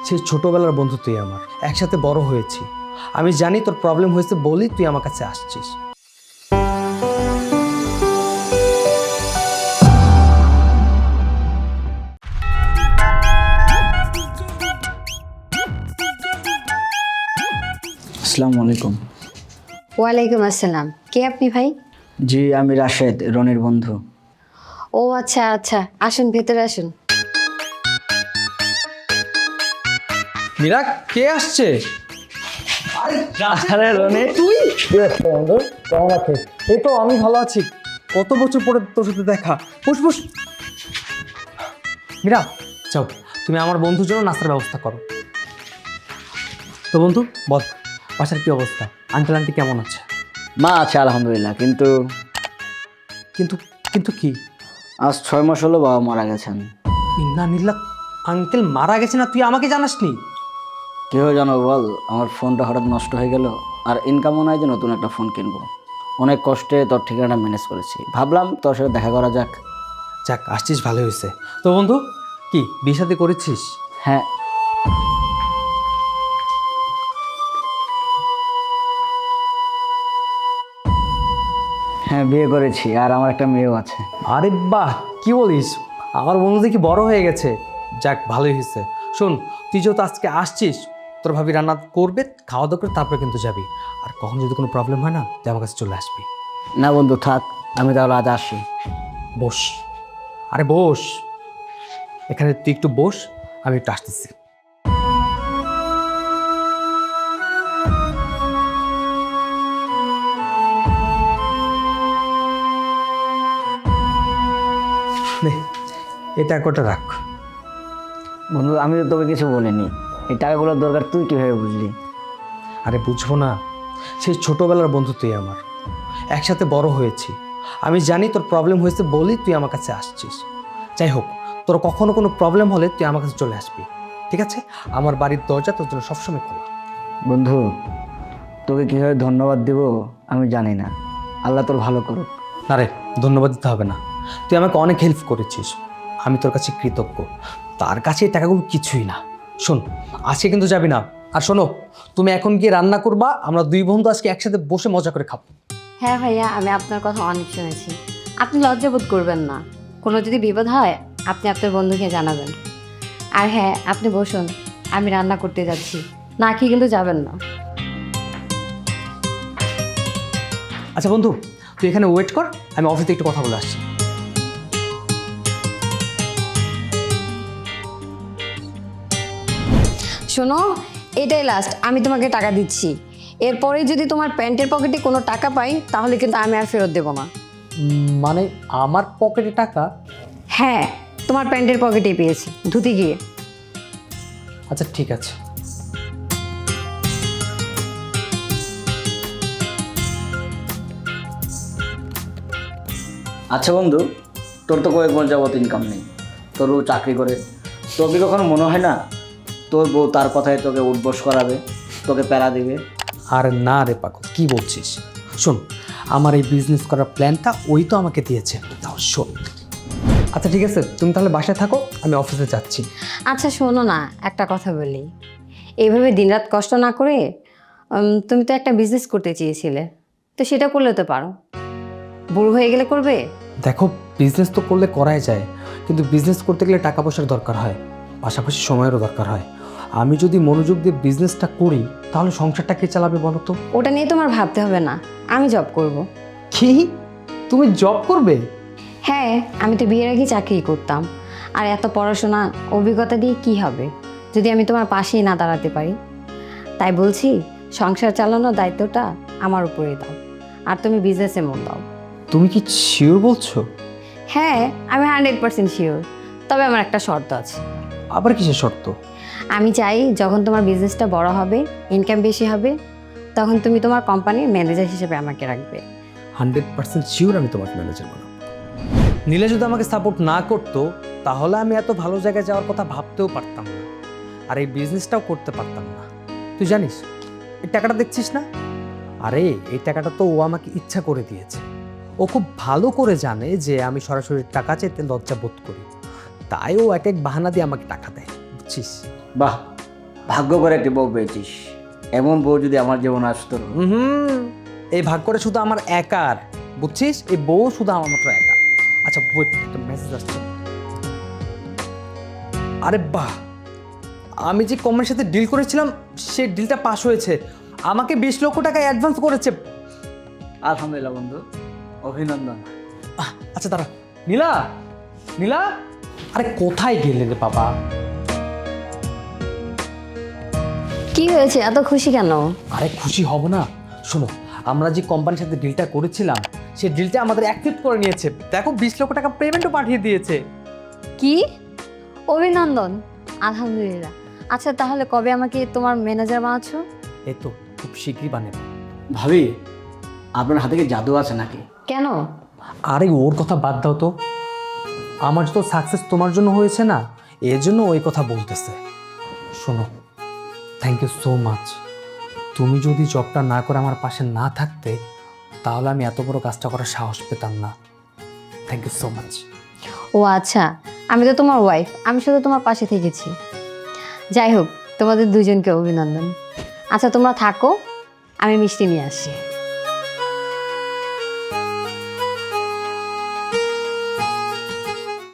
সেই ছোটবেলার বন্ধু তুই আমার, একসাথে বড় হয়েছি। আমি জানি তোর প্রবলেম হয়েছে বলেই তুই আমার কাছে আসছিস। আসসালামু আলাইকুম। ওয়ালাইকুম আসসালাম। কে আপনি ভাই? জি, আমি রাশেদ, রনির বন্ধু। ও আচ্ছা আচ্ছা, আসুন ভেতরে আসুন। মীরা, কে আসছে? আরে রনি, তুই কেমন আছিস? এই তো আমি ভালো আছি। কত বছর পরে তোর সাথে দেখা। বস বস। মীরা, যাও তুমি আমার বন্ধুর জন্য নাস্তার ব্যবস্থা করো। তো বন্ধু বল, বাসার কি অবস্থা? আঙ্কেল আন্টি কেমন আছে? মা আছে আলহামদুলিল্লাহ, কিন্তু কিন্তু কিন্তু কি? আজ 6 মাস হলো বাবা মারা গেছেন। ইন্না নিল্লা, আঙ্কেল মারা গেছে না তুই আমাকে জানাসনি? কেউ জানো বল, আমার ফোনটা হঠাৎ নষ্ট হয়ে গেল, আর ইনকামও নাই যে নতুন একটা ফোন কিনবো। অনেক কষ্টে তোর ঠিকানাটা ম্যানেজ করেছি, ভাবলাম তোর সাথে দেখা করা যাক। যাক, আসছিস ভালো হয়েছে। তো বন্ধু, কি বিয়ে শাদী করেছিস? হ্যাঁ, হ্যাঁ বিয়ে করেছি, আর আমার একটা মেয়েও আছে। আরে বাহ, কি বলিস? আমার বন্ধু দেখি বড় হয়ে গেছে। যাক, ভালোই হয়েছে। শোন, তুই যেহেতু আজকে আসছিস, তোর ভাবি রান্না করবে, খাওয়া দাওয়া করে তারপরে কিন্তু যাবি। আর কখন যদি কোনো প্রবলেম হয় না, তুই আমার কাছে চলে আসবি। না বন্ধু থাক, আমি তাহলে আজ আসি। বস, আরে বস এখানে, তুই একটু বস, আমি একটু আসতেছি। নে, এটা কটা রাখ। বন্ধু, আমি তো তোকে কিছু বলিনি, এই টাকাগুলোর দরকার তুই কীভাবে বুঝলি? আরে বুঝবো না? সেই ছোটবেলার বন্ধু তুই আমার, একসাথে বড় হয়েছি। আমি জানি তোর প্রবলেম হয়েছে বলেই তুই আমার কাছে আসছিস। যাই হোক, তোর কখনো কোনো প্রবলেম হলে তুই আমার কাছে চলে আসবি, ঠিক আছে? আমার বাড়ির দরজা তোর জন্য সবসময় খোলা। বন্ধু, তোকে কীভাবে ধন্যবাদ দেব আমি জানি না, আল্লাহ তোর ভালো করুক। আরে ধন্যবাদ দিতে হবে না, তুই আমাকে অনেক হেল্প করেছিস, আমি তোর কাছে কৃতজ্ঞ। তার কাছে এই টাকাগুলো কিছুই না। শোন, আজকে কিন্তু যাবি না। আর শোনো, তুমি এখন গিয়ে রান্না করবা, আমরা দুই বন্ধু আজকে একসাথে বসে মজা করে খাবো। হ্যাঁ ভাইয়া, আমি আপনার কথা অনেক শুনেছি। আপনি লজ্জাবোধ করবেন না। কোনো যদি বিপদ হয় আপনি আপনার বন্ধুকে জানাবেন। আর হ্যাঁ, আপনি বসুন, আমি রান্না করতে যাচ্ছি। না খেয়ে কিন্তু যাবেন না। আচ্ছা বন্ধু, তুই এখানে ওয়েট কর, আমি অফিসে একটু কথা বলে আসছি। শোনো, এটাই লাস্ট, আমি তোমাকে টাকা দিচ্ছি। এরপরে যদি তোমার প্যান্টের পকেটে কোনো টাকা পাই তাহলে কিন্তু আমি আর ফেরত দেবো না। মানে আমার পকেটে টাকা? হ্যাঁ, তোমার প্যান্টের পকেটেই পেয়েছি, ধুতে গিয়ে। আচ্ছা ঠিক আছে। আচ্ছা বন্ধু, তোর তো কয়েক মাস যাবত ইনকাম নেই, তোর বউ চাকরি করে, তোর কি কখনো মনে হয় না তোর বউ তার কথায় তোকে উঠবস করাবে, তোকে প্যারা দিবে? আর না রে পাগল, কি বলছিস? শোন, আমার এই বিজনেস করার প্ল্যানটা ওই তো আমাকে দিয়েছে। তাও শোন। আচ্ছা ঠিক আছে, তুমি তাহলে বাসায় থাকো, আমি অফিসে যাচ্ছি। আচ্ছা শোনো না, একটা কথা বলি। এইভাবে দিনরাত কষ্ট না করে তুমি তো একটা বিজনেস করতে চেয়েছিলে, তো সেটা করলে তো পারো। বুড়ো হয়ে গেলে করবে? দেখো, বিজনেস তো করলে করাই যায়, কিন্তু বিজনেস করতে গেলে টাকা পয়সার দরকার হয়, পাশাপাশি সময়েরও দরকার হয়। আমি যদি মনোযোগ দিয়ে বিজনেসটা করি, তাহলে সংসারটা কে চালাবে বলো তো? ওটা নিয়ে তোমার ভাবতে হবে না, আমি জব করব। কি, তুমি জব করবে? হ্যাঁ, আমি তো বিয়ের আগে চাকরি করতাম। আর এত পড়াশোনা অভিজ্ঞতা দিয়ে কি হবে যদি আমি তোমার পাশেই না দাঁড়াতে পারি? তাই বলছি, সংসার চালানোর দায়িত্বটা আমার উপরেই দাও, আর তুমি বিজনেসে মন দাও। তুমি কি শিওর বলছো? হ্যাঁ, আমি 100% শিওর। তবে আমার একটা শর্ত আছে। আবার কিসের শর্ত? আমি চাই যখন তোমার বিজনেসটা বড় হবে, ইনকাম বেশি হবে, তখন তুমি তোমার কোম্পানির ম্যানেজার হিসেবে আমাকে রাখবে। 100% শিওর আমি তোমাকে ম্যানেজার বানাবো। নীলা যদি আমাকে সাপোর্ট না করতো, তাহলে আমি এত ভালো জায়গায় যাওয়ার কথা ভাবতেও পারতাম না, আর এই বিজনেসটাও করতে পারতাম না। তুই জানিস এই টাকাটা দেখছিস না? আরে এই টাকাটা তো ও আমাকে ইচ্ছা করে দিয়েছে। ও খুব ভালো করে জানে যে আমি সরাসরি টাকা চাইতে লজ্জা বোধ করি, তাই ও এক এক বাহানা দিয়ে আমাকে টাকা দেয়, বুঝছিস? বাহ, ভাগ্য করে একটি বউ পেয়েছিস। এমন বউ যদি আমার জীবনে আসতো। হুম, এই ভাগ করে শুধু আমার একার, বুঝছিস? এই বউ শুধু আমার মাত্র একা। আচ্ছা ওয়েট, একটা মেসেজ আসছে। আরে বাহ, আমি যে কোম্পানির সাথে ডিল করেছিলাম সেই ডিলটা পাস হয়েছে। আমাকে 20 লক্ষ টাকা অ্যাডভান্স করেছে। আলহামদুলিল্লাহ বন্ধু, অভিনন্দন। আচ্ছা দাঁড়া, নীলা, নীলা, আরে কোথায় গেলে রে বাবা? কি হয়েছে, এত খুশি কেন? আরে খুশি হব না? শোনো, আমরা যে কোম্পানির সাথে ডিলটা করেছিলাম সেই ডিলটা আমাদের অ্যাকসেপ্ট করে নিয়েছে। দেখো 20 লক্ষ টাকা পেমেন্টও পাঠিয়ে দিয়েছে। কি? অভিনন্দন, আলহামদুলিল্লাহ। আচ্ছা তাহলে কবে আমাকে তোমার ম্যানেজার বানাচ্ছ? এই তো খুব শীঘ্রই বানাবো। ভাবি, আপনার হাতে কি জাদু আছে নাকি? কেন? আরে ওর কথা বাদ দাও তো, আমার তো সাকসেস তোমার জন্য হয়েছে না, এর জন্য ওই কথা বলতেছে। শোনো, থ্যাংক ইউ সো মাচ। তুমি যদি জবটা না করে আমার পাশে না থাকতে তাহলে আমি এত বড় কাজটা করার সাহস পেতাম না। Thank you so much. ও আচ্ছা, আমি তো তোমার ওয়াইফ, আমি শুধু তোমার পাশে থেকেছি। যাই হোক, তোমাদের দুজনকে অভিনন্দন। আচ্ছা তোমরা থাকো, আমি মিষ্টি নিয়ে আসি।